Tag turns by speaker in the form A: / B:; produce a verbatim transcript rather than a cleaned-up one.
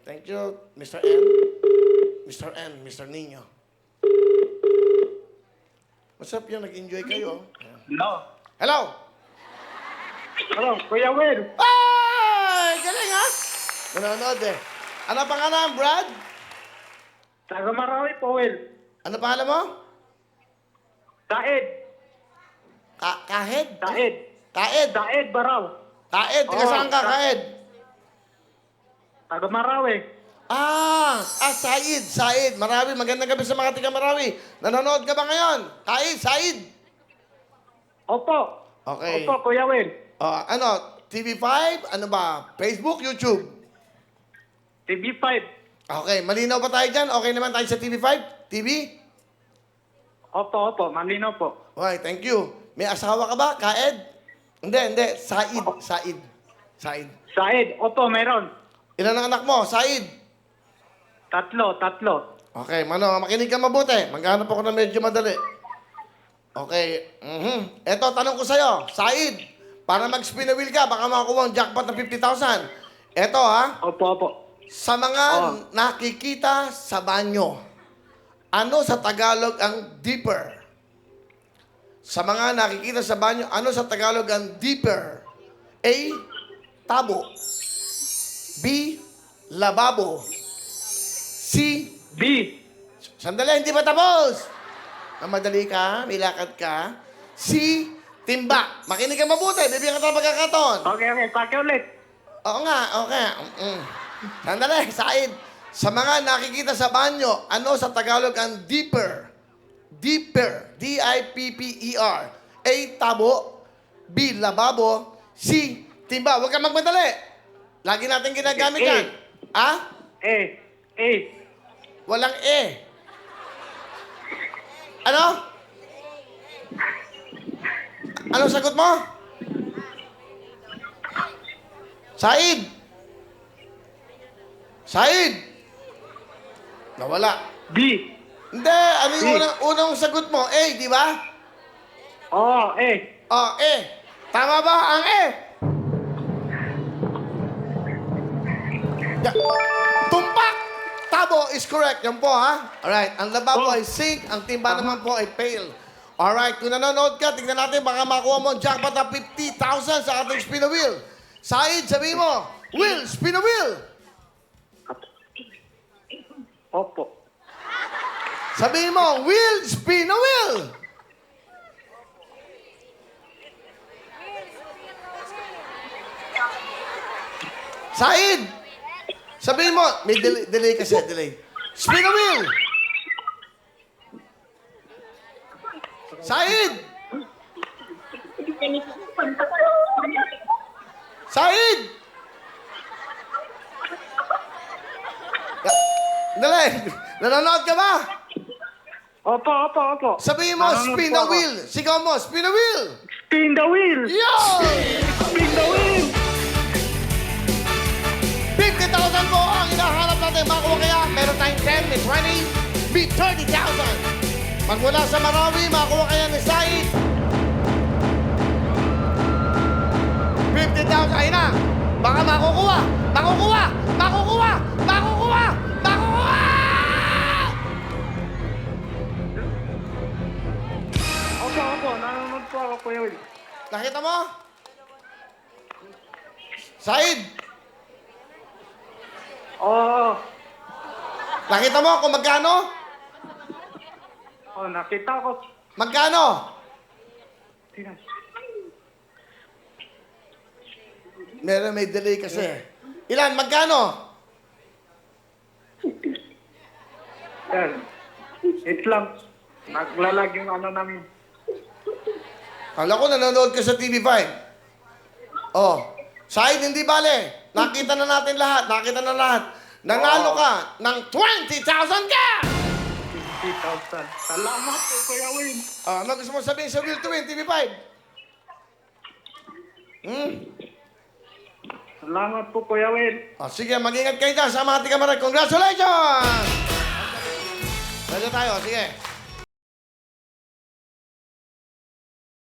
A: Thank you, Mister N. Mister N, Mister Nino. What's up yun? Nag-enjoy kayo?
B: Hello.
A: Hello!
B: Hello, Kuya Will.
A: Ay! Galing ha? Nanonood eh. Ano pangalan, Brad?
B: Taga Marawi po, Will.
A: Ano pangalan mo?
B: Saed.
A: Ka Kahed?
B: Saed.
A: Kaed?
B: Saed Baraw.
A: Kaed? Taga
B: Oo,
A: saan ka,
B: Ka-
A: Kaed?
B: Taga Marawi.
A: Ah! Ah, Said, Said. Marawi. Magandang gabi sa mga tiga Marawi. Nanonood ka ba ngayon? Kaed, Said.
B: Opo.
A: Okay.
B: Opo, Kuya Will.
A: Ah, ano? T V five? Ano ba? Facebook? YouTube?
B: T V five.
A: Okay. Malinaw ba tayo dyan? Okay naman tayo sa T V five? T V?
B: Opo, opo. Malino po.
A: Okay, thank you. May asawa ka ba, Kaed? Hindi, hindi. Said. Said. Said.
B: Saed. Opo, meron.
A: Ilan ang anak mo? Said.
B: Tatlo, tatlo.
A: Okay, mano, makinig ka mabuti. Maghanap ako na medyo madali. Okay. Mhm. Eto, tanong ko sa'yo. Said, para mag-spin a wheel ka, baka makakuha ang jackpot ng fifty thousand. Eto, ha?
B: Opo, opo.
A: Sa mga
B: Oh.
A: nakikita sa banyo, ano sa Tagalog ang deeper? Sa mga nakikita sa banyo, ano sa Tagalog ang deeper? A. Tabo. B. Lababo. C.
B: B.
A: Sandali, hindi pa tapos. Ah, madali ka, may lakad ka. C. Timba. Makinig ka mabuti, bibigyan ka ng pagkakataon.
B: Okay, okay. Pakiulit.
A: Oo nga, okay. Mm. Sandali, Said. Sa mga nakikita sa banyo, ano sa Tagalog ang deeper? Deeper. D I P P E R. A. Tabo. B. Lababo. C. Timba. Huwag kang magmadali. Lagi natin ginagamit
B: A.
A: yan. Ha?
B: A. A.
A: Walang E. Ano? Anong sagot mo? Said! Said! Nawala.
B: B.
A: Hindi, ano yung
B: B.
A: unang, unang sagot mo? A, di ba?
B: Oo, A.
A: Oh, E. Tama ba ang E? Ya- Tumpak! Tabo is correct. Yan po, ha? Alright. Ang lababo
B: Oh.
A: ay sink. Ang timba naman po ay pail. Alright. Kung nanonood ka, tignan natin baka makuha mo ang jackpot na fifty thousand sa ating spin a wheel. Said, sabihin mo, Will, spin a wheel.
B: Opo.
A: Sabihin mo, Will, spin a wheel. Said, sabihin mo, may delay, delay kasi, delay. Spin a wheel. Said! Said! Dali! Nanonood ka ba?
B: Opo, opo, opo.
A: Sabihin mo,
B: Nanonood
A: spin
B: po
A: a
B: ako.
A: wheel. Sigaw mo, spin a wheel.
B: Spin the wheel.
A: Yo!
B: Spin the wheel.
A: fifty thousand po ang hinahanap natin. Makuha kaya, meron tayong ten, may twenty, may thirty thousand. Pag mula sa Marawi, makuha kaya ni Said. fifty thousand, ayun na. Baka makukuha, makukuha, makukuha, makukuha, makukuha!
B: Opo, opo. Nanonood po ako, Kuya Will.
A: Nakita mo? Said,
B: Oo.
A: nakita mo kung magkano?
B: Oh, nakita ko.
A: Magkano?
B: Tingnan.
A: Meron may delay kasi. Ilan? Magkano?
B: Yan. Wait lang. Naglalag yung ano namin.
A: Kala ko nanonood ka sa T V five. Oh. Said, hindi bale. Nakita na natin lahat. Nakita na lahat. Nanalo ka ng twenty thousand ka!
B: fifty thousand. Salamat po, Kuya Will.
A: Ah, ano gusto mo sabihin sa Will to Win, T V five? Hmm?
B: Salamat po, Kuya Will.
A: Ah, sige, mag-ingat kayo dyan sa mga tiga Maray. Congratulations! Pwede tayo, sige.